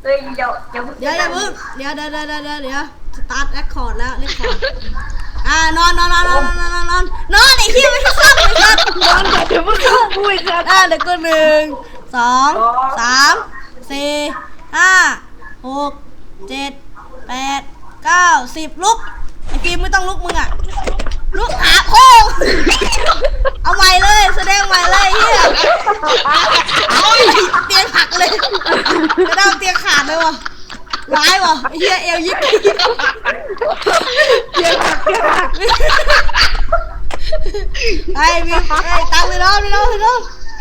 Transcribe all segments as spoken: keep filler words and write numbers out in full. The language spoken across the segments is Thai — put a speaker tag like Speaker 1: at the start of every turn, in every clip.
Speaker 1: เฮ้ยเดี๋ยวเดี๋ยว
Speaker 2: เดี๋ยวอย่าเพิ่งเดี๋ยวเดี๋ยวเดี๋ยวเดี๋ยวเดี๋ยวเดี๋ยวสตาร์ทเรคคอร์ดแล้วเรคคอร์ดอ่านอนนอนนอนนอนนอนนอนนอนนอนไอ้เหี้ยไม่ใช่ซ้ำเลยครับ
Speaker 3: นอนก่อนเดี๋ยวมึงเข้าคุยกัน
Speaker 2: อ่าเดี๋ยวก็หนึ่งสองสามสี่ห้าหกเจ็ดแปดเก้าสิบลุกไอ้ฟิล์มไม่ต้องลุกมึงอ่ะลุกหาโค้งเอาใหม่เลยแสดงใหม่เลยเฮียเตียงหักเลยกระด้างเตียงขาดเลยวะร้ายวะเฮียเอวยิก
Speaker 3: เดี๋ยวหักเดี๋ยวหัก
Speaker 2: ไอ้ฟิล์มไอ้ตังไปน้องไปน้องไปน้อง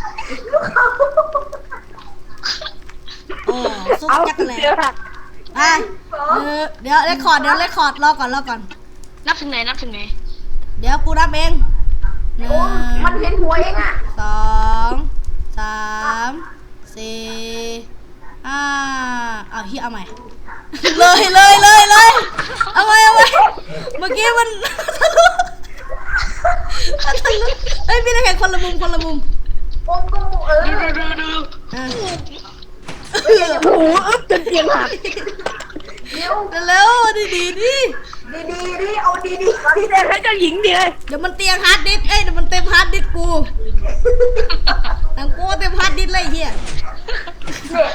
Speaker 2: โอ้ซุก
Speaker 3: เอา
Speaker 2: จักรแหล
Speaker 3: เดี๋ยวหัก
Speaker 2: ไปเดี๋ยวเรคคอร์ดเดี๋ยวเรคคอร์ดรอก่อนรอก่อน
Speaker 4: นับถึงไหนนับถึงไหน
Speaker 2: เดี๋ยวกูนับเองหนึ่
Speaker 1: โอ้
Speaker 2: ง
Speaker 1: มันเห็นหัวเองอ่ะ
Speaker 2: สองสามสี่ห้าเอาเฮียเอาใหม่ เลยเลยเลยเลยเอาใหม่เอาใหม่เมื่อกี้มันทะลุมันทะลุเอ้ยพี่นักแข่งคนละมุมคนละมุม
Speaker 1: โอ้กูเออ
Speaker 4: ดูดูดูดู
Speaker 2: อ่ะ
Speaker 3: โอ้โหอึ๊บจนเตียงหัก
Speaker 1: เดี๋ยว
Speaker 2: เร็วดีดีดี
Speaker 1: ดีดีดีเอาดีดี
Speaker 3: พี่แดงให้เจ้าหญิงเดียว
Speaker 2: เดี๋ยวมันเตียงฮาร์ดดิสก์เอ้ยเดี๋ยวมันเต็มฮาร์ดดิสก์กูหนังกูเต็มฮาร์ดดิสก์เลยไอ้เฮีย
Speaker 1: เนี่ย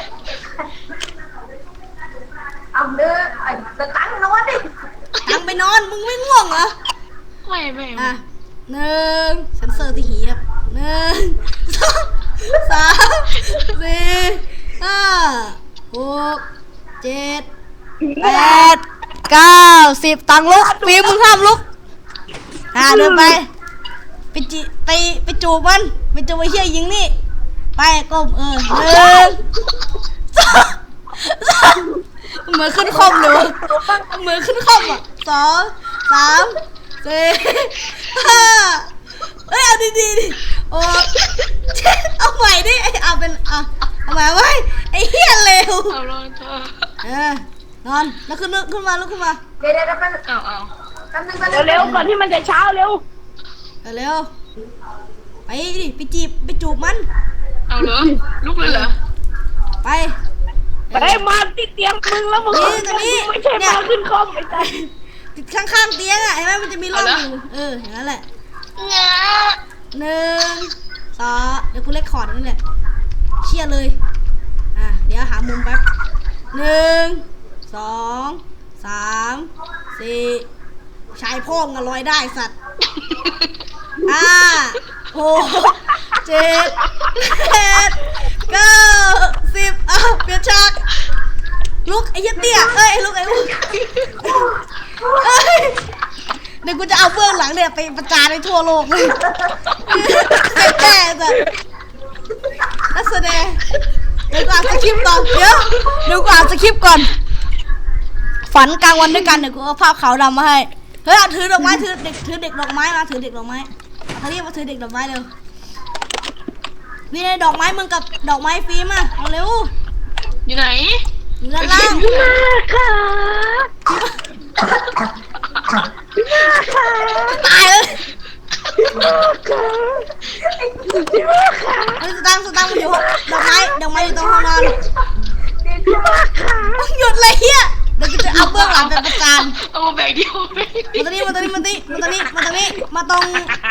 Speaker 1: เอาเนื้อไอ้ตะตั้งนอนดิ
Speaker 2: ตังไปนอนมึงไม่ง่วงเหรอ
Speaker 4: ไม่ไม่
Speaker 2: อ่ะหนึ่งเซนเซอร์ที่หีครับหนึ่งสองสามสี่ห้าหกเจ็ดแปดเก้าสิบตังลุกฟิล์มมึงห้ามลุกอ่าเดินไปไปจิไปไปจูบมันไปจูบไอ้เหี้ยหญิงนี่ไปก้มเออหนึ่งสองสามเหมือนขึ้นคอมเลยวะเหมือนขึ้นคอมอ่ะสองสามสี่ห้าเอ้ยเอาดีๆดิโอ้เจ็ดเอาใหม่ดิไอเอาเป็นเอาเอาใหม่ไว้ไอ้เหี้ยเลว
Speaker 4: เอาลองเธอ
Speaker 2: เออนอนแล้วขึ้นลุกขึ้นมาลุกขึ้นมา
Speaker 1: เดี๋ยวเดี๋ยวเดี๋ยวแป๊บ
Speaker 4: เอาเอา
Speaker 1: แป๊บนึงแป๊บนึง
Speaker 3: เร็วๆก่อนที่มันจะเช้าเร็ว
Speaker 2: เร็วไปดิไปจีบไปจูบมัน
Speaker 4: เอาเหรอลุกเลยเหรอ
Speaker 2: ไป
Speaker 3: ไปมาที่เตียงมึงแล้วมึง
Speaker 2: นี่ตรงนี้
Speaker 3: ไม่ใช่มาขึ้นคอมไอ้ใจ
Speaker 2: ติดข้างๆเตียงอ่ะเห็นไหมมันจะมีร่องอยู่เอออย่างนั้นแหละ
Speaker 4: งา
Speaker 2: หนึ่งสองเดี๋ยวกูเลคคอร์ดนี่แหละเครียดเลยอ่ะเดี๋ยวหามุมแป๊บหนึ่งสองสามสี่ชายพ่องกันลอยได้สัตว์ห้าหกเจ็ดแปดเก้าสิบอ้าวเปลี่ยนฉากลุกไอ้ยัดเตี้ยเอ้ยลุกไอ้ลุกเอ้ยเดี๋ยวกูจะเอาเบื้องหลังเนี่ยไปประจานในทั่วโลกเลยเสร็จแน่จ้ะนักแสดงเดี๋ยวกูอ่านสคริปต์ก่อนเดี๋ยวเดี๋ยวกูอ่านสคริปต์ก่อนฝันกลางวันด้วยกันเดี๋ยวกูเอาภาพขาวดำมาให้เฮ้ยเอาถือดอกไม้ถือเด็กถือเด็กดอกไม้มาถือเด็กดอกไม้เอาที่มาถือเด็กดอกไม้เร็วมีในดอกไม้มึงกับดอกไม้ฟิล์มอ่ะเอาเร็ว
Speaker 4: อยู่ไหน
Speaker 2: อยู่ด้านล่าง
Speaker 3: มาค่ะมาค่ะ
Speaker 2: ตายเลย
Speaker 3: มาค่ะมาค่ะ
Speaker 2: เฮ้ยสตังค์สตังค์มันอยู่ดอกไม้ดอกไม้อยู่ตรงห้องนอน
Speaker 3: มาค่ะ
Speaker 2: ต้องหยุดเลยเฮียเดี๋ยวกูจะเอาเบื้องหลังไปประจาน
Speaker 4: เอามาแบ่งเดียวแบ่งเดียว
Speaker 2: มาตรงนี้มาตรงนี้มาตรงนี้มาตรงนี้มาตรงนี้มาตรง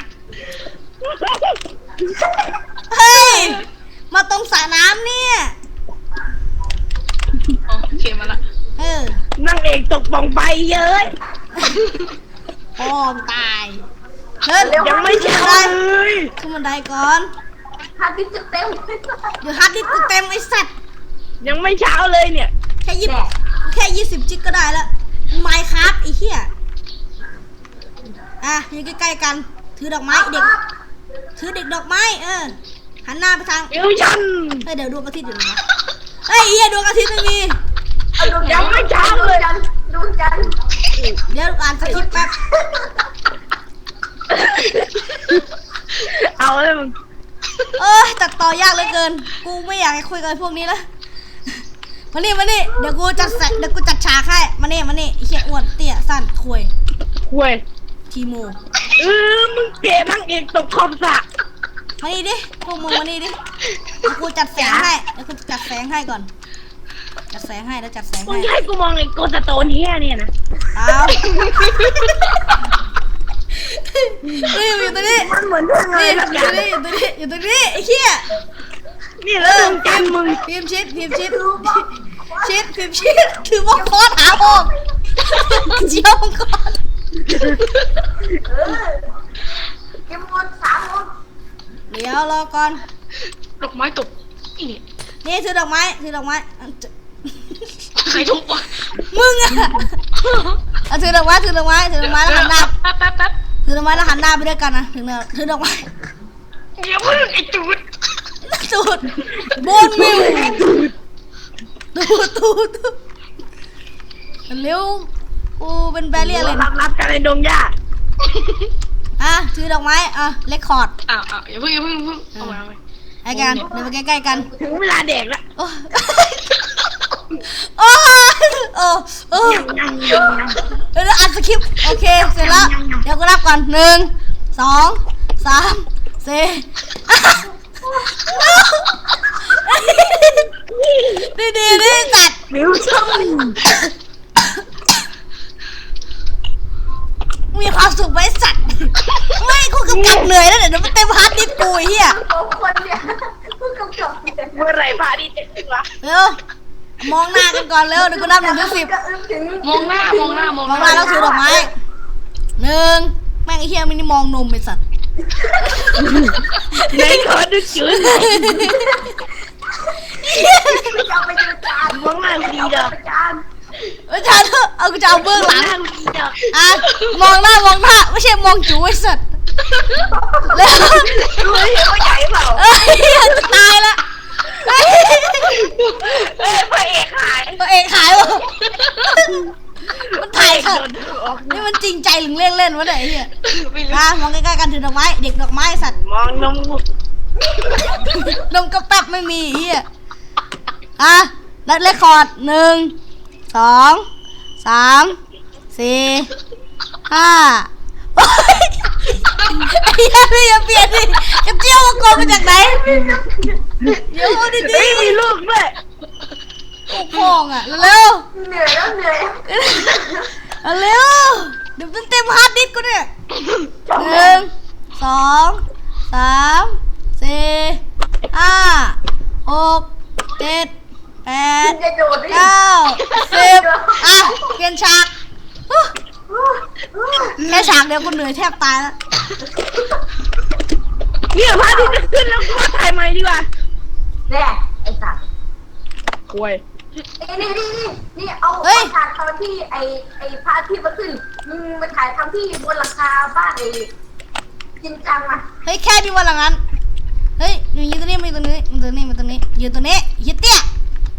Speaker 2: เฮ้ยมาตรงสระน้ำเนี่ย
Speaker 4: อ๋อโอเคมาละ
Speaker 2: เออ
Speaker 3: นั่งเอกตกป่องไปเยอะ
Speaker 2: พ่อมตายเฮ้ย
Speaker 3: ยังไม่
Speaker 2: ขึ้น
Speaker 3: เช้า
Speaker 2: บันได
Speaker 3: เลย
Speaker 2: ขึ้นบันไดก่อน
Speaker 1: ฮาร์ดดิสก์จะเต็ม
Speaker 2: เดี๋ยวฮาร์ดดิสก์กูเต็มไอ้สัตว์
Speaker 3: ยังไม่เช้าเลยเนี่ย
Speaker 2: แค่ยี่สิบแค่ยี่สิบจิกก็ได้แล้วไมค์ครับไอ้เหี้ยอ่ะอยู่ใกล้ๆกันถือดอกไม้เด็กถือเด็กดอกไม้เออหันหน้าไปทาง
Speaker 3: เดี๋ยวฉัน
Speaker 2: เฮ้ยเดี๋ยวดวงอาทิตย์อยู่ไหนวะเฮ้ยเหี้ยดวงอาทิตย์ไม่มี
Speaker 1: เอาดวง
Speaker 3: ยังไม่เช้าเลย
Speaker 1: จันทร์ดวงจันทร์
Speaker 2: เดี๋ยวอ่านสคริปต์แป๊บ
Speaker 3: เอาเลยมึง
Speaker 2: เอ้ยตัดต่อยากเหลือเกิน กูไม่อยากให้คุยกับพวกนี้แล้วมานี่มานี่เดี๋ยวกูจัดแสเดี๋ยวกูจัดฉากให้มานี่มานี่ไอ้เหี้ยอ้วนเตี้ยสั้นควย
Speaker 3: ห่วย
Speaker 2: ทีโม
Speaker 3: เออมึงเก๋นั่งเอกตกขอบสระ
Speaker 2: มานี่ดิพวกมึงมานี่ดิเดี๋ยวกูจัดแสงให้เดี๋ยวกูจัดแสงให้ก่อนจัจัดแสงให้แล้วจัดแสง
Speaker 3: มึง
Speaker 2: ให้
Speaker 3: จะให้กูมองไอ้โกสโตนเฮียเนี่ยนะ
Speaker 2: เอาเฮ้ยอยู่ตรงนี้
Speaker 3: มันเหมือนเรื่องอะไร
Speaker 2: นี่อ
Speaker 3: สักอย่
Speaker 2: ยู่
Speaker 3: ย่าง
Speaker 2: ตรงนี้อยู่ตรงนี้อยู่ตรงนี้ไอ้เหี้ย
Speaker 3: นี่แล้วดวงจันทร์มึง
Speaker 2: พิมพ์ชิดพิมพ์ชิดชิดพิมพ์ชิดถือว่าคอหาออกเจียวมังกร
Speaker 1: เออเกมหมดสามหมด
Speaker 2: เดี๋ยวรอก่อน
Speaker 4: ดอกไม้ตกอีนี่
Speaker 2: นี่ถือดอกไม้ถือดอกไม้
Speaker 4: ใครทุบวะ
Speaker 2: มึงอะเอาถือดอกไม้ถือดอกไม้ถือดอกไม้แล้วหันหน้า
Speaker 4: แป๊บแป๊บแป๊บ
Speaker 2: ถือดอกไม้แล้วหันหน้าไปด้วยกันนะถือเนี่ยถือดอกไม้
Speaker 4: เดี๋ยวเพิ่งไอ้จูด
Speaker 2: ตูดบนมิวตูดตูดตูดเร็วกูเป็นแบเรียเลย
Speaker 3: รับรับกันในดงหญ้า
Speaker 2: อ่ะถือดอกไม้อ่ะเลคคอร์ด
Speaker 4: อ้าวอ้าวอย่าเพิ่งอย่าเพิ่งอย่าเพิ่งเอาไว้เอาไว้
Speaker 2: ไอ้กันเดินไปใกล้ๆกัน
Speaker 3: ถึงเวลาเด็กละ
Speaker 2: โอ้โอ้โอ้โอ้
Speaker 3: ยังยังยังยัง
Speaker 2: เดี๋ยวอัดสคริปต์โอเคเสร็จแล้วเดี๋ยวกูนับก่อนหนึ่งสองสามสี่ดีดีดีจัด
Speaker 3: มิวชั่น
Speaker 2: มีความสุขไหมสัตว์ไม่กูกำกับเหนื่อยแล้วเดี๋ยวมันเต็มฮาร์ดดิสก์กูไอ้เหี้ย
Speaker 1: สองคนเนี่ยเพิ่งกำกับเนี่ย
Speaker 3: เมื่อไหรพาดีเจ็ดสิบวะ
Speaker 2: เร็วมองหน้ากันก่อนเร็วเดี๋ยวกูนับหนึ่งถึงสิบ
Speaker 1: ก็อึ้งถึง
Speaker 4: มองหน้ามองหน้ามอง
Speaker 2: มองหน้าแล้วถือดอกไม้หนึ่งแม่งไอ้เหี้ยมันนี่มองนมไอ้สัตว์
Speaker 3: ไหนขอดูจืด
Speaker 1: จะเอาไปดูจาน
Speaker 3: มองหน้ากูดีดอก
Speaker 1: จาน
Speaker 2: อาจารย์เอากูจะเอาเบื้อง
Speaker 3: ม
Speaker 2: ห
Speaker 3: อง
Speaker 2: ลัง
Speaker 3: หน้ากูดีดอก
Speaker 2: อ่ะมองหน้ามองหน้าไม่ใช่มองจูไอ้สัตว์เร็ว
Speaker 3: ดูเห็นว่าใหญ่เปล่า
Speaker 2: เอ้ยจะตายละเฮ้ย
Speaker 3: เอ้ยพระเอกหาย
Speaker 2: ตัวเองขายวะมันถ่าย
Speaker 3: พระ
Speaker 2: ค่ะ
Speaker 3: เอกโดนออก
Speaker 2: นี่มันจริงใจหรือเล่นเล่นวะเนี่ยไอ้เหี้ย
Speaker 4: ไม่รู้
Speaker 2: อ่ะมองใกล้ๆกันถือดอกไม้เด็กดอกไม้ไอ้สัตว์
Speaker 3: มองนมกู
Speaker 2: นมกระแป๊บไม่มีไอ้เหี้ยอ่ะนัดเลคคอร์ดหนึ่งสองสามสี่ห้าโอ๊ยไอ้เหี้ยพี่อย่าเปลี่ยนดิกระเจียวมังกรมาจากไหนเดี๋ยวเอาดี
Speaker 3: เฮ้ยมีลูกด้วย
Speaker 2: ๆโอ้โหงอ่ะเร็ว
Speaker 1: เหนื่อยแล้วเหนื่อย
Speaker 2: ๆเอาเร็วเดี๋ยวมันเต็มฮาร์ดดิสก์กูเนี่ยหนึ่งสองสามสี่ห้าหกเจ็ดแปด
Speaker 1: จะโดดได้
Speaker 2: เก้าสิบอ่ะเปลี่ยนฉากฮู้แค่ฉากเดียวกูเหนื่อยแทบตายแล้ว
Speaker 3: เนี่ยพระอาทิตย์จะขึ้นแล้วกูมาถ่ายใหม่ดีกว่า
Speaker 1: เนี่ยไอ้สัตว์
Speaker 3: ควย
Speaker 1: ไอ้นี่นี่นี่นี่เอาเอาฉากตอนที่ไอ้ไอ้พระอาทิตย์มาขึ้นมึงมาถ่ายทำที่บนหลังคาบ้านไอ้จริงจังมา
Speaker 2: เฮ้ยแค่ดีวันหลังนั้นเฮ้ยหนูยืนตรงนี้มายืนตรงนี้มาตรงนี้มาตรงนี้ยืนตรงนี้ยืนเตี้ย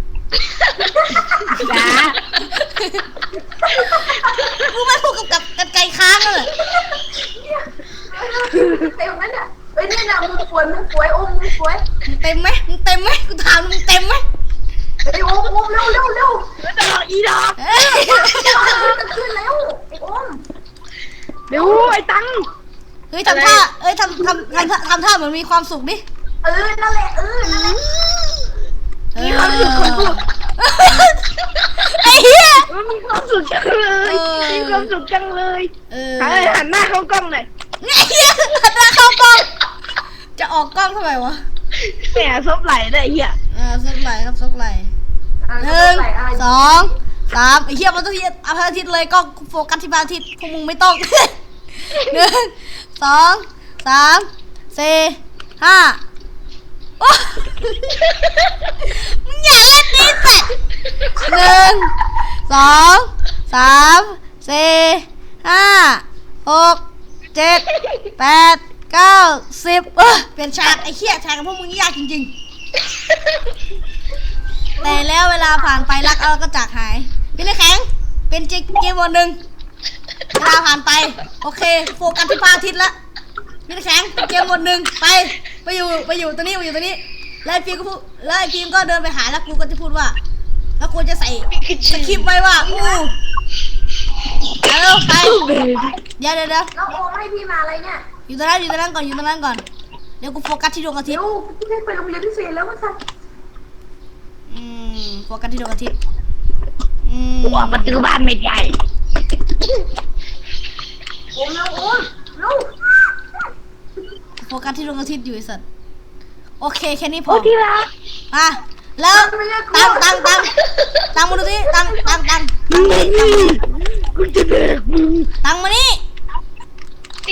Speaker 3: จ้า
Speaker 2: มึงไม่พูดกับกับกันไกลค้างเลย
Speaker 1: เต็มนั้นอ่ะเอ้ยนี่นะมึงป่วยมึงป่วยโอ้มึงป่วย
Speaker 2: มึงเต็มไหมมึงเต็มไหมกูถามมึงเต็มไหม
Speaker 1: ไอ้โอ้โอ้เร็วเร็วเร็ว
Speaker 3: แล้วจะรออีดอก
Speaker 2: เอ้ย
Speaker 1: จะขึ้นแล้วไอ้โอ้ม
Speaker 3: เดี๋ยวไอ้ตัง
Speaker 2: เฮ้ยทำท่าเอ้ยทำทำทำท่าทำท่าเหมือนมีความสุขดิ
Speaker 1: เออนั่นแหละเออนั่นแหละ
Speaker 3: มีความสุขของกู
Speaker 2: ไอ้เหี้ย
Speaker 3: มันมีความสุขจังเลย
Speaker 2: เออ
Speaker 3: มีความสุขจังเลย
Speaker 2: เออ
Speaker 3: หันหันหน้าเข้ากล้องหน่อย
Speaker 2: ไอ้เหี้ยหันหน้าเข้ากล้องจะออกกล้องทำไมวะ
Speaker 3: แหมซบไหลได้เหี้ย
Speaker 2: อ่าซกไหลครับซกไหล
Speaker 1: อ่ะ
Speaker 2: หนึ่ง
Speaker 1: ใส่อะไร
Speaker 2: สองสามไอ้เหี้ยมันต้องที่เอาพระอาทิตย์เลยก็โฟกัสที่พระอาทิตย์พวกมึงไม่ต้อง หนึ่งสองสามสี่ห้าโอ้มึงอย่าเล่นนี่แต่หนึ่งสองสามสี่ห้าหกเจ็ดแปดเก้าสิบเออเปลี่ยนฉากไอ้เหี้ยฉากกับพวกมึงยากจริงๆ แต่แล้วเวลาผ่านไปรักเราก็จากหายพี่เล็กแข็งเป็นเกมวันหนึ่งเวลาผ่านไปโอเคโฟกัสที่พระอาทิตย์ละพี่เล็กแข็งเป็นเกมวันหนึ่งไปไปอยู่ไปอยู่ตรงนี้ไปอยู่ตรงนี้แล้วไอ้ฟิล์มก็พูดแล้วไอ้ฟิล์มก็เดินไปหาแล้วกูก็จะพูดว่า แล้วกูจะใส่สคริปต์ไว้ว่าอู้เอาไปเดี๋ยวเดี๋ยวเดี๋ยว
Speaker 1: แล้วโอ้ไม่ให้พี่มาอะไรเนี่ย
Speaker 2: อยู่ตรงนั้นอยู่ตรงนั้นก่อนอยู่ตรงนั้นก่อนเดี๋ยวกูโฟกัสที่ดวงอาทิต
Speaker 1: เดี๋
Speaker 2: ย์
Speaker 1: ยวพี่ได้ไปโรงเรียนพิเศษแล้วว่าสัตว์
Speaker 2: อืมมโฟกัสที่ดวงอาทิตย์อืม
Speaker 3: ตัวประตูบ้านไม่ใหญ่
Speaker 1: โอ้ยโอ้ยลูก
Speaker 2: โฟกัสที่ดวงอาทิตย์อยู่ไอ้สัตว์โอเคแค่นี้พอ
Speaker 3: โอ้ที่รัก
Speaker 2: อ่ะแล้วตังตังตังตังมาดูสิตังตังตังตังมานี่ตังมานี่
Speaker 3: กูจะเด็กมึง
Speaker 2: ตังมานี่
Speaker 4: นี่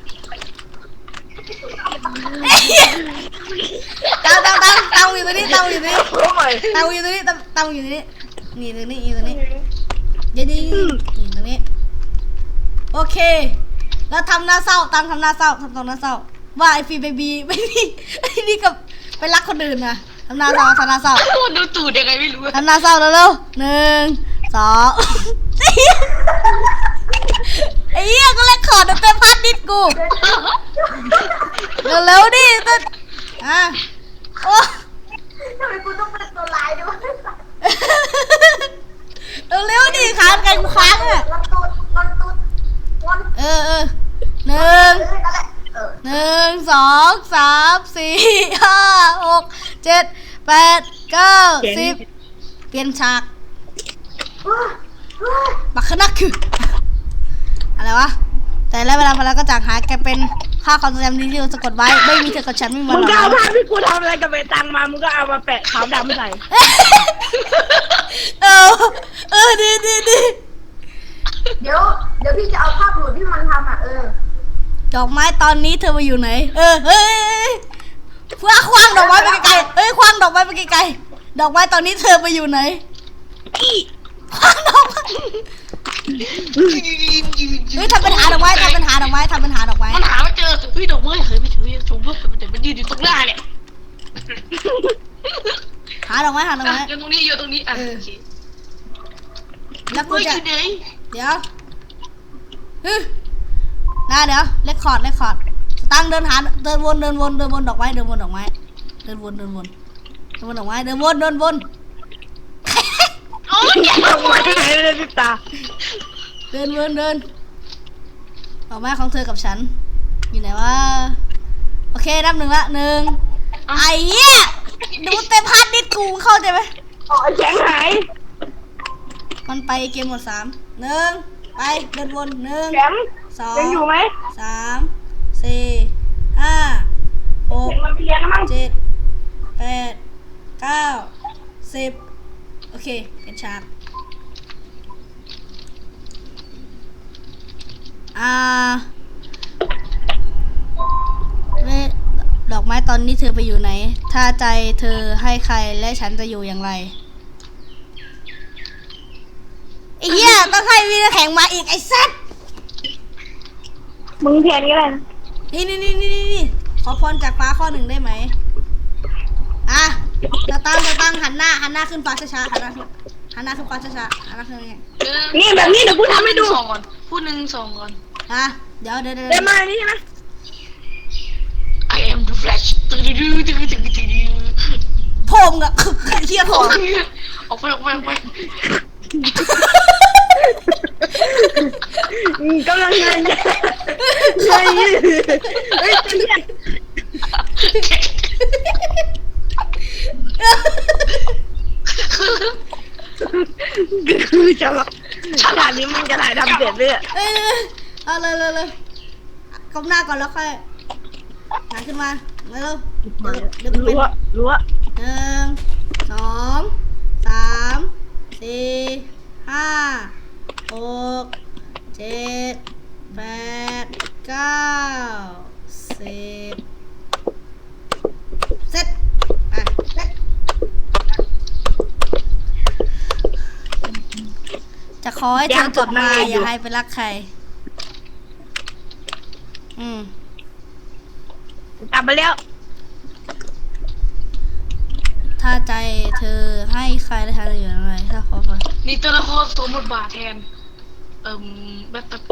Speaker 2: ตังตังตังตังอยู่ตรงนี้ตังอยู่ตรงนี้
Speaker 3: โอ้ย
Speaker 2: ตังอยู่ตรงนี้ตังตังอยู่ตรงนี้นี่ตรงนี้อยู่ตรงนี้เดี๋ยวนี่นี่ตรงนี้โอเคแล้วทำหน้าเศร้าตังทำหน้าเศร้าทำตรงหน้าเศร้าว่าไอฟีเบบีไม่นี่ไอ้นี่กับไปรักคนอื่นนะทำหน้าเศร้าทำหน้าเศร้า
Speaker 4: ดูตูดยังไงไม่รู้
Speaker 2: ทำหน้าเศร้าเร็วๆหนึ่งสองไอ้เหี้ยก็เลยขอดเป็นพันนิดกูเร็วๆดิต้นอ่ะโอ้
Speaker 1: ทำไมกูต้องเป็นตัวลายด้วย
Speaker 2: เร็วๆดิค้างกันกูค้างอ่ะ
Speaker 1: ลอนตูดลอนตูดลอน
Speaker 2: เออเออหนึ่ง
Speaker 1: เออนั่นแหละเออ
Speaker 2: หนึ่งสองสามสี่ห้าหกเจ็ดแปดเก้าสิบเปลี่ยนฉาก
Speaker 1: เฮ้ยเฮ้ย
Speaker 2: บักขนักคืออะไรวะแต่แล้วเวลาพอแล้วก็จากหายกลายเป็นค่าความทรงจำดีที่เราสะกดไว้ไม่มีเธอกับฉันไม่มีวั
Speaker 3: มึ
Speaker 2: น
Speaker 3: ง
Speaker 2: ห
Speaker 3: ก็
Speaker 2: ลั
Speaker 3: เอา
Speaker 2: ง
Speaker 3: ภาพที่กูทำอะไรกับไอ้ตังมา มึงก็เอามาแปะขาวดำใส่
Speaker 2: เออเออดีดีดี
Speaker 1: เดี๋ยวเดี๋ยวพี่จะเอาภาพหลุดที่มันทำอ่ะเออ
Speaker 2: ดอกไม้ตอนนี้เธอมาอยู่ไหนเออเฮ้ยเพื่อคว้างดอกไม้ไปไกลๆเอ้ยคว้างดอกไม้ไปไกลๆดอกไม้ตอนนี้เธอมาอยู่ไหนคว้างดอกไม้เฮ้ยทำเป็นหาดอกไม้ทำเป็นหาดอกไม้ทำเป็นหาดอกไม้
Speaker 4: มันหาไม่เจอเฮ้ยดอกไม้เคยไปถือชมพู่แต่มันยืนอยู่ตรงหน้าเนี่ย
Speaker 2: หาดอกไม้หาดอกไม้
Speaker 4: อยู่ตรงนี้อยู่ตรงนี้อ่ะโอเค
Speaker 2: แล้วกู
Speaker 4: เฮ้ย
Speaker 2: จะ
Speaker 4: อยู่ไหน
Speaker 2: เดี๋ยวฮึน่าเดี๋ยวเลคคอร์ดเลคคอร์ดตั้งเดินหาเดินวนเดินวนเดินวนดอกไม้เดินวนดอกไม้เดินวนเดินวนเดินวนดอกไม้เดินวนเดินวน
Speaker 4: โอ้ยอย่า
Speaker 3: เอาไว้ไหนเลยพี่ตา
Speaker 2: เดินวนเดินดอกไม้ของเธอกับฉันอยู่ไหนวะโอเคนับหนึ่งละหนึ่งไอ้เหี้ยดูเต็มพันนิดกูเข้าใจไหม
Speaker 3: อ๋อแข็งหาย
Speaker 2: มันไปเกมหมดสามหนึ่งไปเดินวนหนึ่ง
Speaker 3: แข็ง
Speaker 2: สอง
Speaker 3: ยังอยู่ไหม
Speaker 2: สามสี่ห้าหก
Speaker 3: เห็นมันไปเรียนแล้วมั้ง
Speaker 2: เจ็ดแปดเก้าสิบโอเคเป็นฉากอ่าเว้ยดอกไม้ตอนนี้เธอไปอยู่ไหน ถ้าใจเธอให้ใครและฉันจะอยู่อย่างไรไอ้เหี้ยต้องให้วีนแข่งมาอีกไอ้สัส
Speaker 3: มึงแทนก็ได้นะ
Speaker 2: นี่นี่นี่นี่นี่ขอพรจากฟ้าข้อหนึ่งได้ไหมอ่ะจะตั้งจะตั้งหันหน้าหันหน้าขึ้นฟ้าช้าๆหันหน้าขึ้นหันหน้าขึ้นฟ้าช้าๆหันหน้าขึ้นยังไง
Speaker 3: นี่แบบนี้เดี๋ยวกูทำให้ดู
Speaker 4: สองก่อนพูดหนึ่งสองก่อน
Speaker 2: อ่ะเดี๋ยวเดี๋ยวเดี๋ยว
Speaker 3: เดี๋ยวมานี่ใช่ไหม
Speaker 4: I am the Flash ตึ๊ดตึ๊ดตึ๊ดตึ๊ดตึ๊ด
Speaker 2: โพมกับเฮียโพม
Speaker 4: ออกไปออกไปออกไป
Speaker 3: อืมกำลังเงินเฮ้ยเฮ้ยเนี่ยคือจะแบบฉากนี้มันจะถ่ายทำเสร็จเลยอะ
Speaker 2: เอ้ยเอาเลยเลยเลยก้มหน้าก่อนแล้วค่อยหายขึ้นมาเร็วเดี๋ยวเดี๋ยวกูเป็น
Speaker 3: รั้วรั้ว
Speaker 2: หนึ่งสองสามสี่ห้าหกเจ็ดแปดเก้าสิบเสร็จไปจะขอให้เธอกลับมาอย่าให้ไปรักใครอืม
Speaker 3: กลับไปแล้ว
Speaker 2: ถ้าใจเธอให้ใครและทางอยู่อะไรถ้าขอไป
Speaker 4: นี่ตัวละครสวมบทบาทแทนเอิ่มแบบแบบ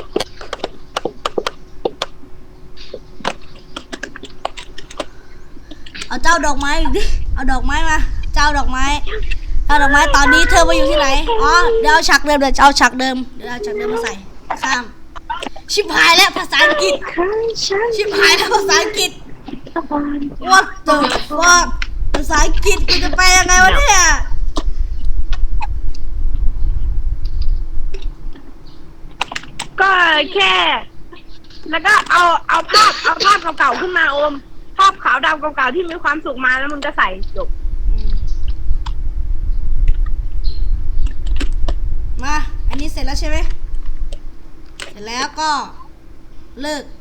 Speaker 2: เอาเจ้าดอกไม้อีกดิเอาดอกไม้มาเจ้าดอกไม้เจ้าดอกไม้ตอนนี้เธอมาอยู่ที่ไหนอ๋อเดี๋ยวเอาฉากเดิมเดี๋ยวเอาฉากเดิมเดี๋ยวเอาฉากเดิมมาใส่ข้ามชิบหายแล้วภาษาอังกฤษชิบหายแล้วภาษาอังกฤษ what the fuck ภาษาอังกฤษกูจะไปยังไงวะเนี่ย
Speaker 3: แค่ แล้วก็เอาเอาภาพเอาภาพเก่าๆขึ้นมาโอม ภาพขาวดำเก่าๆที่มีความสุขมาแล้วมึงก็ใส่จบ
Speaker 2: อืมมา อันนี้เสร็จแล้วใช่ไหม เสร็จแล้วก็เลิก